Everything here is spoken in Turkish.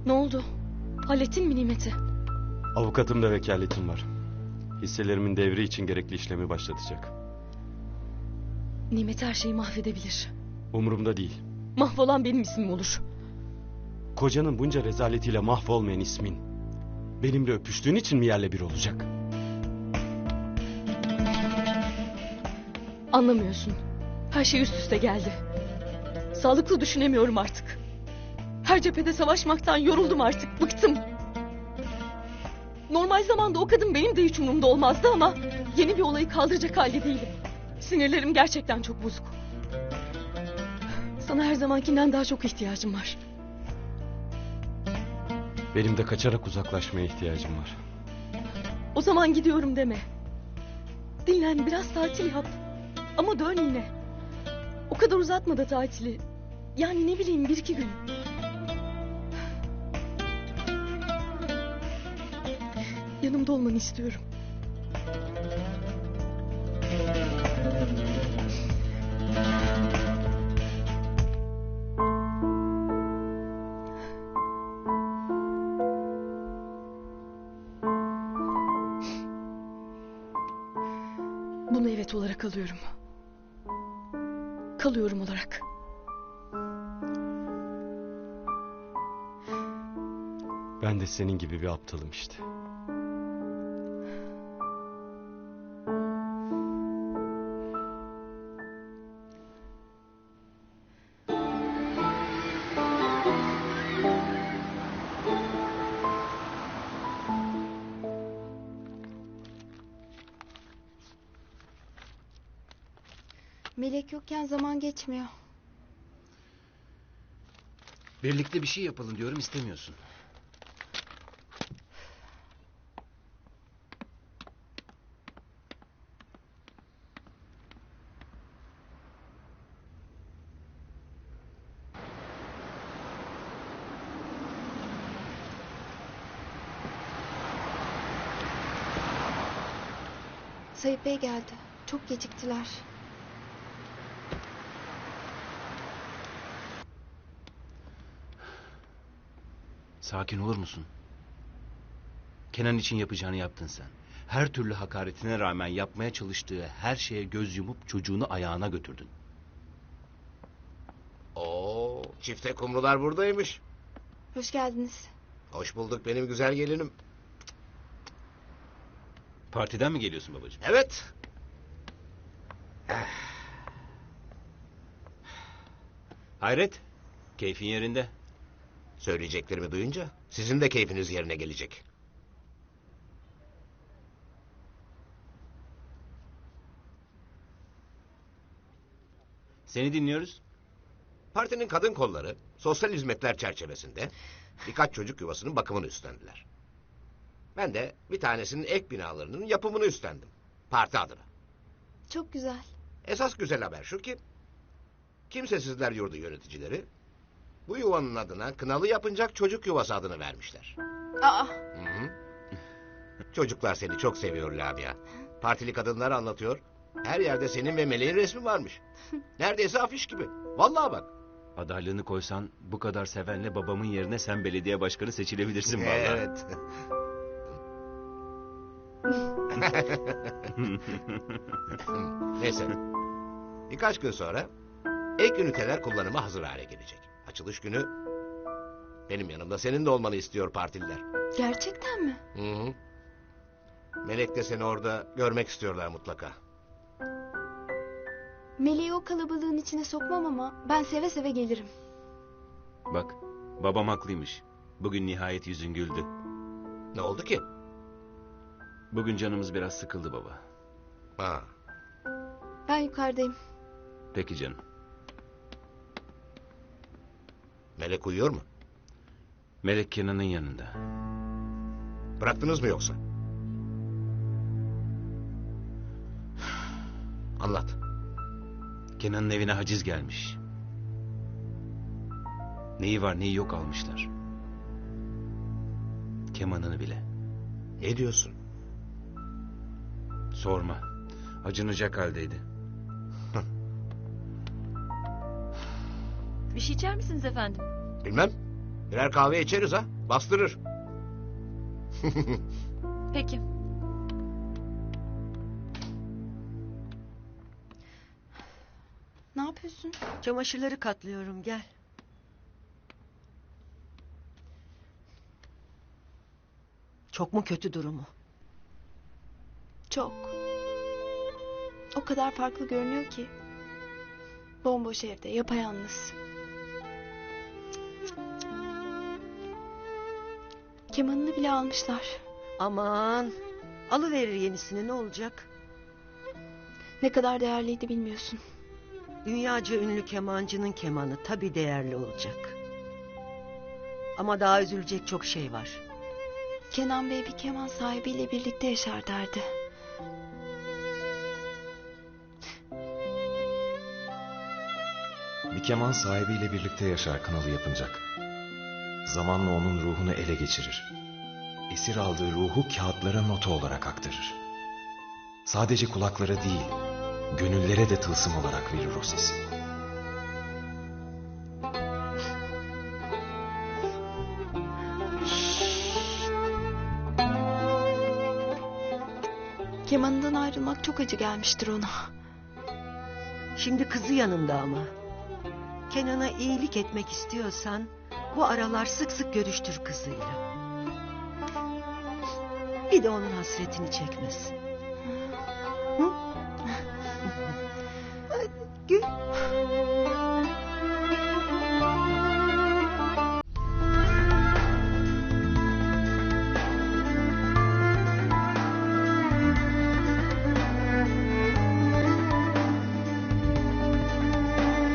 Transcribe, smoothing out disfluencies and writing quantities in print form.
Ne oldu? Hallettin mi Nimet'i? Avukatım da vekaletim var. Hisselerimin devri için gerekli işlemi başlatacak. Nimet her şeyi mahvedebilir. Umurumda değil. Mahvolan benim ismim olur. Kocanın bunca rezaletiyle mahvolmayan ismin benimle öpüştüğün için mi yerle bir olacak? Anlamıyorsun. Her şey üst üste geldi. Sağlıklı düşünemiyorum artık. Her cephede savaşmaktan yoruldum artık. Bıktım. Normal zamanda o kadın benim de hiç umurumda olmazdı ama yeni bir olayı kaldıracak halde değilim. Sinirlerim gerçekten çok bozuk. Sana her zamankinden daha çok ihtiyacım var. Benim de kaçarak uzaklaşmaya ihtiyacım var. O zaman gidiyorum deme. Dinlen, biraz tatil yap. Ama dön yine. O kadar uzatma da tatili. Yani ne bileyim, 1-2 gün. Yanımda olmanı istiyorum. Bunu evet olarak alıyorum. Kalıyorum olarak. Ben de senin gibi bir aptalım işte. Melek yokken zaman geçmiyor. Birlikte bir şey yapalım diyorum, istemiyorsun. Sayıp Bey geldi. Çok geciktiler. Sakin olur musun? Kenan için yapacağını yaptın sen. Her türlü hakaretine rağmen yapmaya çalıştığı her şeye göz yumup çocuğunu ayağına götürdün. Oo, çifte kumrular buradaymış. Hoş geldiniz. Hoş bulduk benim güzel gelinim. Partiden mi geliyorsun babacığım? Evet. Hayret, keyfin yerinde. Söyleyeceklerimi duyunca sizin de keyfiniz yerine gelecek. Seni dinliyoruz. Partinin kadın kolları sosyal hizmetler çerçevesinde birkaç çocuk yuvasının bakımını üstlendiler. Ben de bir tanesinin ek binalarının yapımını üstlendim. Parti adına. Çok güzel. Esas güzel haber şu ki Kimsesizler Yurdu yöneticileri bu yuvanın adına Kınalı Yapıncak Çocuk Yuvası adını vermişler. Aa, Hı-hı. Çocuklar seni çok seviyor Lamia. Partili kadınlar anlatıyor. Her yerde senin ve Meleğin resmi varmış. Neredeyse afiş gibi. Vallahi bak. Adaylığını koysan bu kadar sevenle babamın yerine sen belediye başkanı seçilebilirsin vallahi. Evet. Neyse. Birkaç gün sonra ek üniteler kullanıma hazır hale gelecek. Açılış günü benim yanımda senin de olmanı istiyor partililer. gerçekten mi? Hı-hı. Melek de seni orada görmek istiyorlar mutlaka. Meleği o kalabalığın içine sokmam ama ben seve seve gelirim. Bak, babam haklıymış. Bugün nihayet yüzün güldü. Ne oldu ki? Bugün canımız biraz sıkıldı baba. Ha. Ben yukarıdayım. Peki canım. Melek uyuyor mu? Melek Kenan'ın yanında. Bıraktınız mı yoksa? Anlat. Kenan'ın evine haciz gelmiş. Neyi var neyi yok almışlar. Kemanını bile. Ne diyorsun? Sorma. Acınacak haldeydi. Bir şey içer misiniz efendim? Bilmem. Birer kahve içeriz ha. Bastırır. Peki. Ne yapıyorsun? Çamaşırları katlıyorum, gel. Çok mu kötü durumu? Çok. O kadar farklı görünüyor ki. Bomboş evde, yapayalnız. Kemanını bile almışlar. Aman, alıverir yenisini, ne olacak? Ne kadar değerliydi bilmiyorsun. Dünyaca ünlü kemancının kemanı tabii değerli olacak. Ama daha üzülecek çok şey var. Kenan Bey bir keman sahibiyle birlikte yaşar derdi. Bir keman sahibiyle birlikte yaşar kınalı yapınacak. Zamanla onun ruhunu ele geçirir. Esir aldığı ruhu kağıtlara nota olarak aktarır. Sadece kulaklara değil, gönüllere de tılsım olarak verir o sesi. Kemanından ayrılmak çok acı gelmiştir ona. Şimdi kızı yanında ama. Kenan'a iyilik etmek istiyorsan bu aralar sık sık görüştür kızıyla. Bir de onun hasretini çekmesin. Hı?